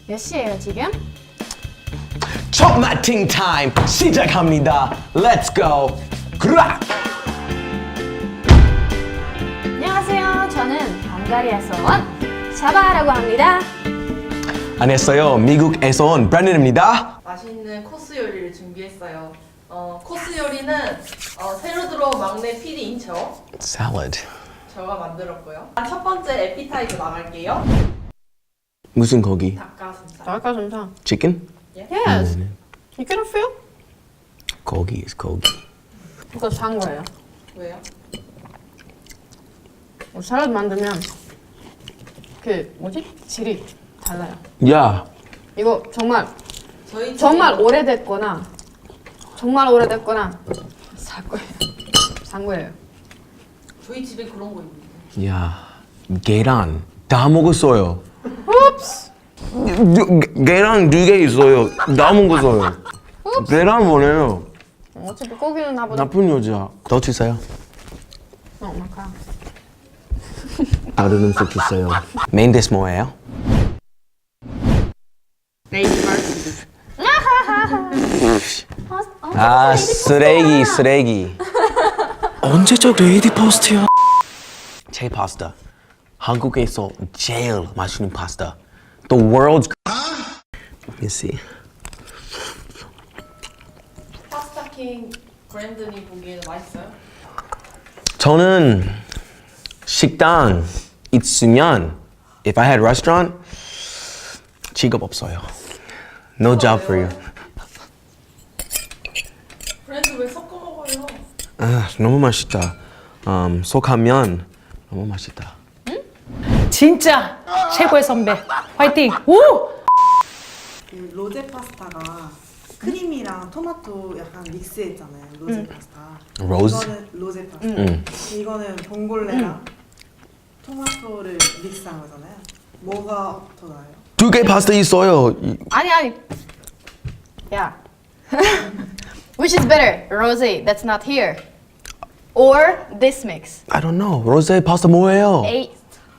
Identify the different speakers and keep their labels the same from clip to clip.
Speaker 1: 몇 시예요 지금?
Speaker 2: 첫 마팅 타임 시작합니다. Let's go. 그라.
Speaker 1: 안녕하세요. 저는 헝가리에서 온 샤바라고 합니다.
Speaker 2: 안녕하세요. 미국에서 온 브랜든입니다.
Speaker 3: 맛있는 코스 요리를 준비했어요. 코스 요리는 새로 들어온 막내 PD인
Speaker 2: Salad.
Speaker 3: 저가 만들었고요. 첫 번째 에피타이저 나갈게요.
Speaker 2: 무슨 고기?
Speaker 3: 닭가슴살.
Speaker 1: 닭가슴살.
Speaker 2: Chicken?
Speaker 1: Yes. You can feel?
Speaker 2: 고기 is 고기.
Speaker 1: 이거 산 거예요.
Speaker 3: 왜요?
Speaker 1: 샐러드 만들면 그 뭐지? 질이 달라요.
Speaker 2: 야.
Speaker 3: 저희
Speaker 1: 정말 오래됐거나 살 거예요. 산 거예요.
Speaker 3: 저희 집에 그런 거 있는데.
Speaker 2: 야. 계란 다 먹었어요.
Speaker 1: Oops.
Speaker 2: 계란 2개 있어요. 다 먹었어요. 계란 뭐래요?
Speaker 1: 어차피 고기는 나보다.
Speaker 2: 나쁜 여자. 더 주세요.
Speaker 1: 마카.
Speaker 2: 다른 음식 주세요. 메인 디스 뭐예요?
Speaker 3: 레이디 마르스.
Speaker 2: 아, 쓰레기. 언제적 레이디 파스타야? 제 파스타. 한국에서 제일 맛있는 파스타. The world's. Let me see.
Speaker 3: 파스타킹 브랜든이 보기에는 맛있어요?
Speaker 2: 저는 식당 있으면 if I had restaurant 직업 없어요. No job for you.
Speaker 3: 브랜드 왜 섞어 먹어요?
Speaker 2: 아, 너무 맛있다. 속하면 너무 맛있다.
Speaker 4: 진짜 최고의 선배 화이팅! 우!
Speaker 5: 그 로제 파스타가 크림이랑 토마토 약간 믹스했잖아요. 로제 파스타.
Speaker 2: 로즈?
Speaker 5: 이거는 로제 파스타. 이거는 봉골레랑 토마토를 믹스한 거잖아요. 뭐가 더 나아요?
Speaker 2: 2개 파스타 있어요.
Speaker 1: 아니. 야. Which is better? Rosé that's not here, or this mix?
Speaker 2: I don't know. 로제 파스타 뭐예요?
Speaker 1: Eight.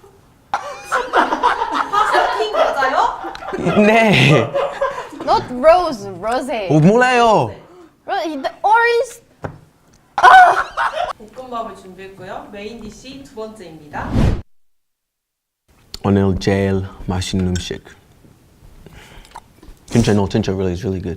Speaker 3: 파스타킹 맞아요?
Speaker 2: 네.
Speaker 1: Not rose, rosé.
Speaker 2: 몰라요.
Speaker 1: The orange.
Speaker 3: 볶음밥을 준비했고요. 메인 디시 두 번째입니다.
Speaker 2: 오늘 제일 맛있는 음식. 진짜 really is really good.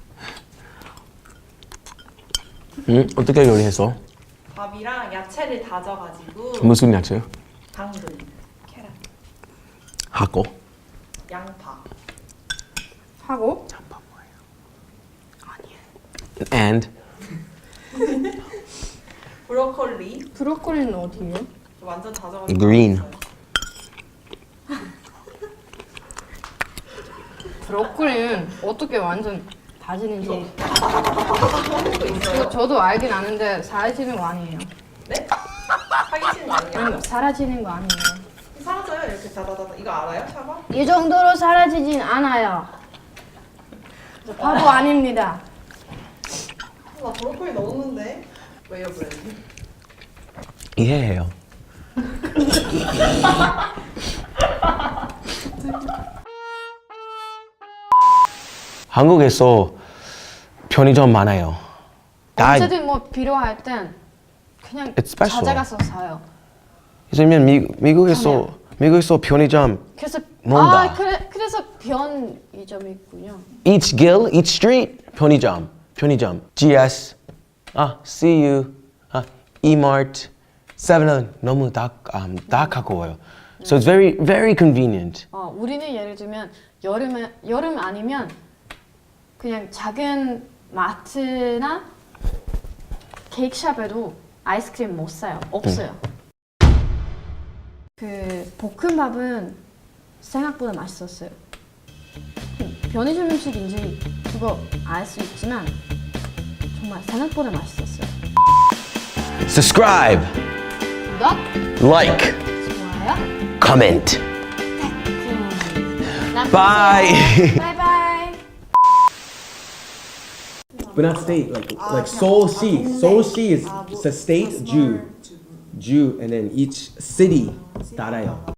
Speaker 2: 어떻게 요리했어?
Speaker 3: 밥이랑 야채를 다져가지고
Speaker 2: 무슨 야채?
Speaker 3: 당근, 계란,
Speaker 2: 하고.
Speaker 3: 양파,
Speaker 1: 하고.
Speaker 2: And
Speaker 3: 브로콜리.
Speaker 1: 브로콜리는 어디예요?
Speaker 3: 완전 다져가지고.
Speaker 2: green.
Speaker 1: 브로콜리는 어떻게 완전 다지는지 저도 알긴 아는데 사라지는 거 아니에요.
Speaker 3: 네? 사기치는 거 아니에요?
Speaker 1: 아니 사라지는 거 아니에요.
Speaker 3: 사라져요 이렇게 다다다다. 이거 알아요, 샤바?
Speaker 1: 이 정도로 사라지진 않아요. 저 바보 아닙니다.
Speaker 3: 나 브로콜리 넣었는데. 왜요, 브랜드?
Speaker 2: 이해해요. 한국에서 편의점 많아요. 다
Speaker 1: 언제든 뭐 필요할 땐 그냥
Speaker 2: It's special.
Speaker 1: 찾아가서 사요.
Speaker 2: 요즘엔 미국에서 편의점
Speaker 1: 그래서
Speaker 2: 뭔가.
Speaker 1: 그래서 편의점이 있군요.
Speaker 2: each gill, each street 편의점. GS, CU, E-Mart, 7-Eleven 너무 다 가까워요. So it's very, very convenient.
Speaker 1: 우리는 예를 들면 여름 아니면 그냥 작은 마트나 케이크샵에도 아이스크림 못 사요. 없어요. 그 볶음밥은 생각보다 맛있었어요. 편의점 음식인지 그거 알 수 있지만 정말 생각보다 맛있었어요.
Speaker 2: Subscribe,
Speaker 1: 구독,
Speaker 2: like,
Speaker 1: 좋아요,
Speaker 2: comment.
Speaker 1: 남겨주세요.
Speaker 2: Bye.
Speaker 1: 바이바이.
Speaker 6: But not state, like Seoul-shi. Seoul-shi is it's a state, Jew, and then each city, 달아요.